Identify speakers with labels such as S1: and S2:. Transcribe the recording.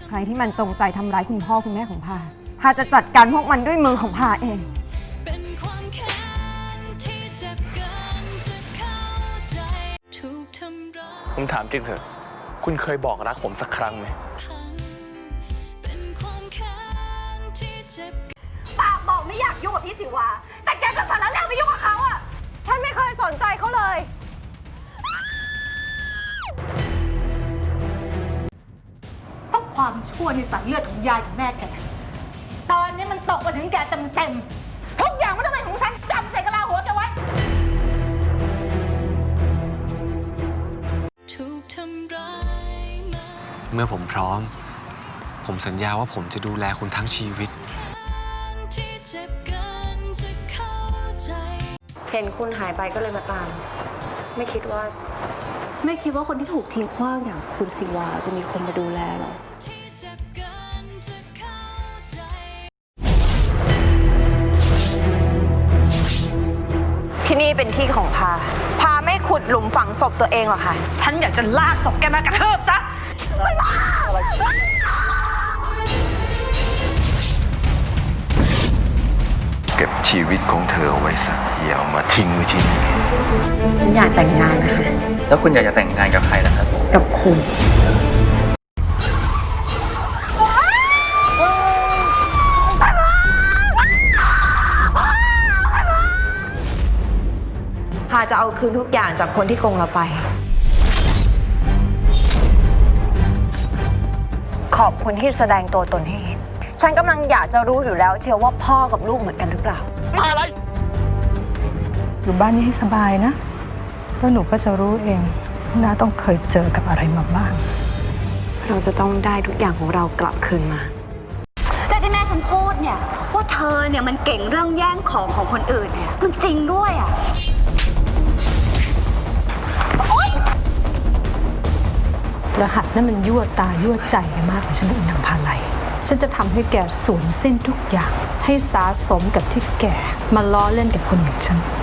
S1: ใครที่มันจงใจทำร้ายคุณพ่อคุณแม่ของพาจะจัดการพวกมันด้วยมือของพาเอง
S2: ผมถามจริงเถอะคุณเคยบอกรักผมสักครั้งไหม
S1: ปากบอกไม่อยากยุ่งกับพี่สิวาแต่แกก็สารแล้วไปยุ่งกับเขาอ่ะฉันไม่เคยสนใจเขาเลย
S3: เพราะความชั่วในสายเลือดของยายกับแม่แกตอนนี้มันตกมาถึงแกเต็มทุกอย่างมันต้องเป็นของฉันจำใส่กะลาหัวแกไว้
S4: เมื่อผมพร้อมผมสัญญาว่าผมจะดูแลคุณทั้งชีวิต
S5: เห็นคุณหายไปก็เลยมาตามไม่คิดว่า
S6: คนที่ถูกทิ้งขว้างอย่างคุณศิวาจะมีคนมาดูแลหรอ
S5: ที่นี่เป็นที่ของพาไม่ขุดหลุมฝังศพตัวเองหรอคะฉันอยากจะลากศพแกมากระเทิบซะ
S7: เก็บชีวิตของเธอเอาไว้ซะอย่าเอามาทิ้งไว้ที่นี่
S5: ฉันอยากแต่งงานนะคะ
S2: แล้วคุณอยากจะแต่งงานกับใครล่ะครับ
S5: กับคุณพาจะเอาคืนทุกอย่างจากคนที่โกงเราไป ขอบคุณที่แสดงตัวตนให้เห็น ฉันกำลังอยากจะรู้อยู่แล้วเชียวว่าพ่อกับลูกเหมือนกันหรือเปล่า
S2: อะไร
S8: อยู่บ้านนี้ให้สบายนะแล้วหนูก็จะรู้เองน้าต้องเคยเจอกับอะไรมาบ้าง
S5: เราจะต้องได้ทุกอย่างของเรากลับคืนมา
S3: แต่ที่แม่ฉันพูดเนี่ยว่าเธอเนี่ยมันเก่งเรื่องแย่งของของคนอื่นเนี่ยมันจริงด้วยอ่ะ
S8: รหัสนั่นมันยั่วตายั่วใจกันมากเลยฉันเป็นนางพาไลฉันจะทำให้แกสูญสิ้นทุกอย่างให้สาสมกับที่แกมาล้อเล่นกับคนอย่างฉัน